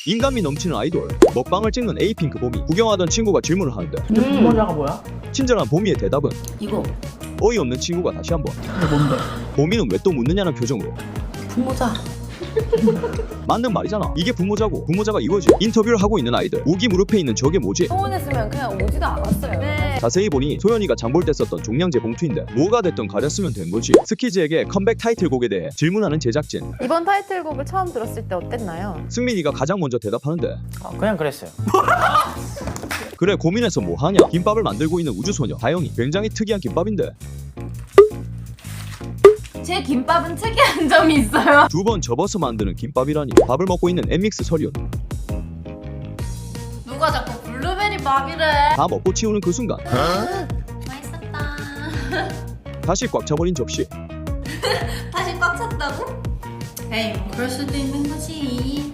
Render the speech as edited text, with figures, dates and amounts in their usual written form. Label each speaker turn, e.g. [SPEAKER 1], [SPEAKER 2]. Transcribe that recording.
[SPEAKER 1] 인간미 넘치는 아이돌 먹방을 찍는 에이핑크 봄이 구경하던 친구가 질문을 하는데
[SPEAKER 2] 부모자가 뭐야?
[SPEAKER 1] 친절한 봄이의 대답은
[SPEAKER 3] 이거
[SPEAKER 1] 어이없는 친구가 다시 한번
[SPEAKER 2] 이게 뭔데?
[SPEAKER 1] 봄이는 왜 또 묻느냐는 표정으로
[SPEAKER 3] 부모자.
[SPEAKER 1] 맞는 말이잖아. 이게 부모자고 부모자가 이거지. 인터뷰를 하고 있는 아이들 우기 무릎에 있는 저게 뭐지?
[SPEAKER 4] 소원했으면 그냥 오지도 않았어요. 네.
[SPEAKER 1] 자세히 보니 소연이가 장볼 때 썼던 종량제 봉투인데 뭐가 됐든 가렸으면 된 거지. 스키즈에게 컴백 타이틀곡에 대해 질문하는 제작진.
[SPEAKER 4] 이번 타이틀곡을 처음 들었을 때 어땠나요?
[SPEAKER 1] 승민이가 가장 먼저 대답하는데
[SPEAKER 2] 그냥 그랬어요.
[SPEAKER 1] 그래 고민해서 뭐하냐. 김밥을 만들고 있는 우주소녀 다영이. 굉장히 특이한 김밥인데
[SPEAKER 3] 제 김밥은 특이한 점이 있어요.
[SPEAKER 1] 2번 접어서 만드는 김밥이라니. 밥을 먹고 있는 엠믹스 설윤.
[SPEAKER 3] 누가 자꾸 블루베리 밥이래.
[SPEAKER 1] 다 먹고 치우는 그 순간
[SPEAKER 3] 맛있었다.
[SPEAKER 1] 다시 꽉 차버린 접시.
[SPEAKER 3] 다시 꽉 찼다고? 에이, 뭐 그럴 수도 있는 거지.